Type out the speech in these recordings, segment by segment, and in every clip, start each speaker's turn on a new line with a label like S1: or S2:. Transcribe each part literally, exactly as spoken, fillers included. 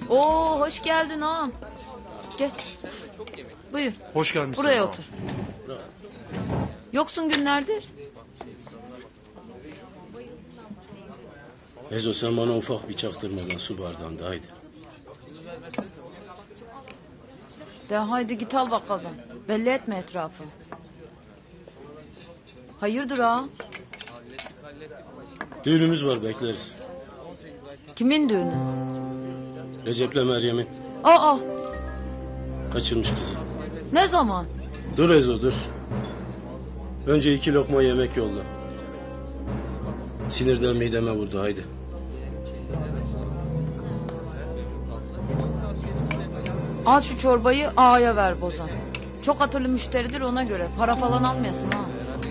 S1: Oo, hoş geldin ağam. Gel. Buyur.
S2: Hoş gelmişsin.
S1: Buraya
S2: ağam.
S1: otur. Yoksun günlerdir.
S3: Ezo sen bana ufak bir çaktırmadan su bardağında haydi.
S1: De haydi git al bakalım. Belli etme etrafı. Hayırdır ağam?
S3: Düğünümüz var bekleriz.
S1: Kimin düğünü?
S3: Recep'le Meryem'in
S1: Aa,
S3: kaçırmış kızı.
S1: ne zaman?
S3: Dur Ezo dur. Önce iki lokma yemek yolla. Sinirden mideme vurdu haydi.
S1: Al şu çorbayı ağaya ver bozan. Çok hatırlı müşteridir ona göre. Para falan almayasın ha.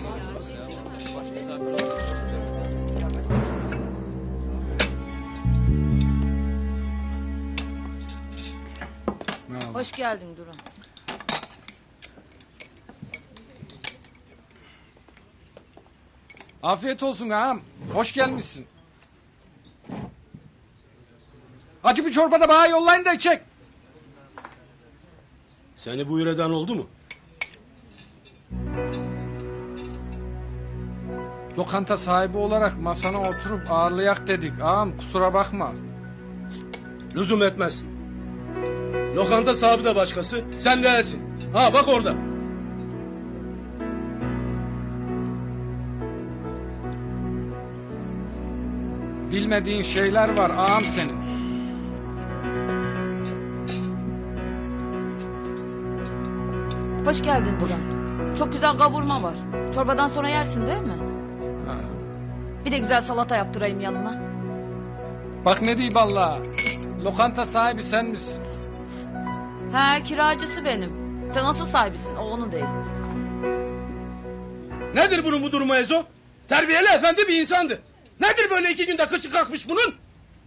S1: Hoş geldin Duran.
S4: Afiyet olsun ağam. Hoş gelmişsin. Acı bir çorba da bana yollayın da içecek.
S3: Seni buyur eden oldu mu?
S4: Lokanta sahibi olarak masana oturup ağırlayak dedik. Ağam kusura bakma.
S3: Lüzum etmez. Lokanta sahibi de başkası, sen değilsin. Ha bak orada.
S4: Bilmediğin şeyler var ağam senin.
S1: Hoş geldin Duran. Çok güzel kavurma var. Çorbadan sonra yersin değil mi?
S4: Ha.
S1: Bir de güzel salata yaptırayım yanına.
S4: Bak ne diyeyim vallahi. Lokanta sahibi sen misin?
S1: He, kiracısı benim. Sen nasıl sahibisin? O onun değil.
S3: Nedir bunun bu durumu Ezo? Terbiyeli efendi bir insandı. Nedir böyle iki günde kıçı kalkmış bunun?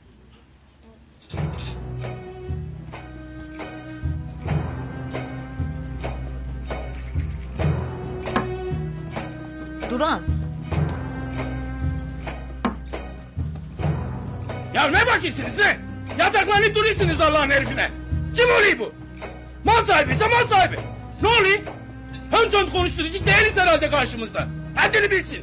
S1: Duran.
S3: Ya ne bakıyorsunuz ne? Yataklanıp duruyorsunuz Allah'ın herifine. Kim oluyor bu? Mal sahibi ise mal sahibi. Ne oluyor? Hem son konuşturucu değiliz herhalde karşımızda. Haddini bilsin.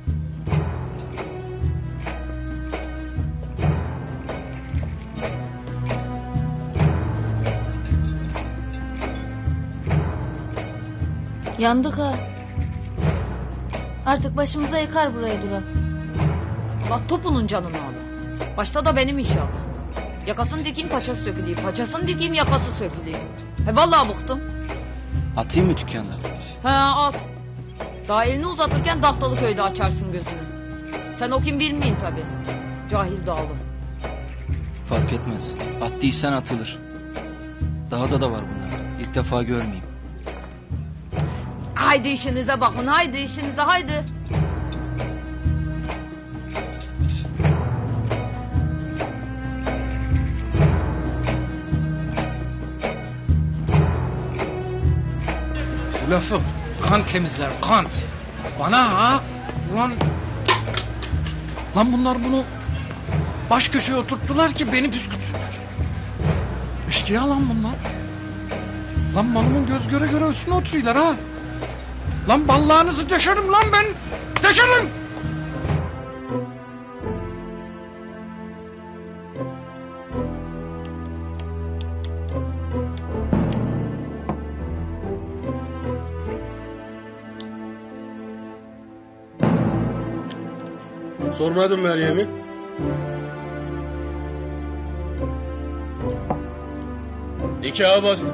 S1: Yandık ha. Artık başımıza yıkar burayı Duran. Allah topunun canını al. Başta da benim inşallah. Yakasını dikeyim paçası söküleyim. Paçasını dikeyim yakası söküleyim. He vallahi bıktım.
S5: Atayım mı dükkanda?
S1: He at. Daha elini uzatırken Dahtalı köyde açarsın gözünü. Sen o kim bilmeyin tabi. Cahil dağlı.
S5: Fark etmez. Attıysan atılır. Dağda da var bunlar. İlk defa görmeyeyim.
S1: Haydi işinize bakın, haydi işinize, haydi.
S4: Bu lafı kan temizler kan. Bana ha. Ulan. Lan bunlar bunu baş köşeye oturttular ki beni püskürtsünler. İşkiya lan bunlar. Lan malımın göz göre göre üstüne oturuyorlar ha. Lan ballağınızı deşerim lan ben. Deşerim.
S3: Sormadım Meryem'i. Nikaha bastım.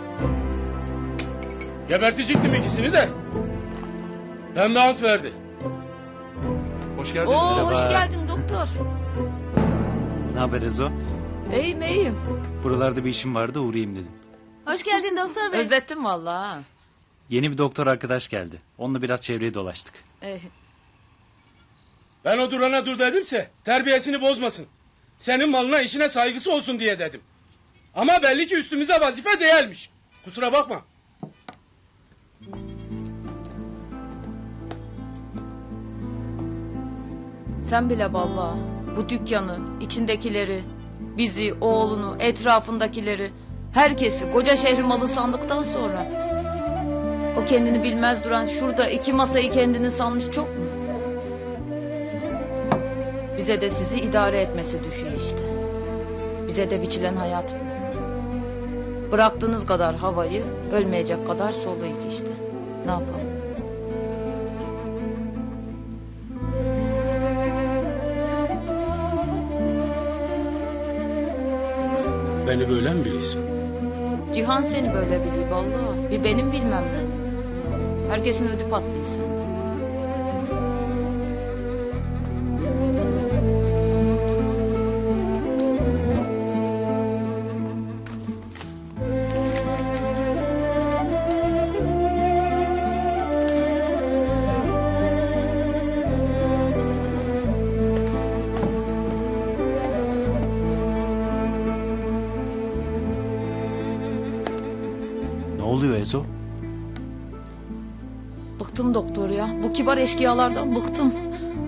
S3: Gebertecektim ikisini de. Pembe ant verdi.
S2: Hoş geldiniz.
S1: Oo,
S2: Merhaba.
S1: hoş geldin doktor.
S5: Ne haber Ezo?
S1: İyiyim, iyiyim.
S5: Buralarda bir işim vardı, uğrayayım dedim.
S6: Hoş geldin doktor bey.
S1: Özlettim vallahi. Ha.
S5: Yeni bir doktor arkadaş geldi. Onunla biraz çevreyi dolaştık.
S1: Eh,
S3: Ben o durana dur dedimse terbiyesini bozmasın. Senin malına işine saygısı olsun diye dedim. Ama belli ki üstümüze vazife değilmiş. Kusura bakma.
S1: sen bile vallahi bu dükkanı, içindekileri, Bizi, oğlunu, etrafındakileri, herkesi koca şehri malı sandıktan sonra o kendini bilmez duran şurada iki masayı kendini sanmış çok mu? Bize de sizi idare etmesi düşüyor işte. Bize de biçilen hayat bu. Bıraktığınız kadar havayı ölmeyecek kadar soluydu işte. Ne yapalım?
S3: Beni böyle mi bilirsin?
S1: Cihan seni böyle biliyor vallahi. Bir benim bilmem ne. Herkesin ödü patlıyor sen.
S2: Ne oluyor Ezo?
S1: Bıktım doktor ya. Bu kibar eşkıyalardan bıktım.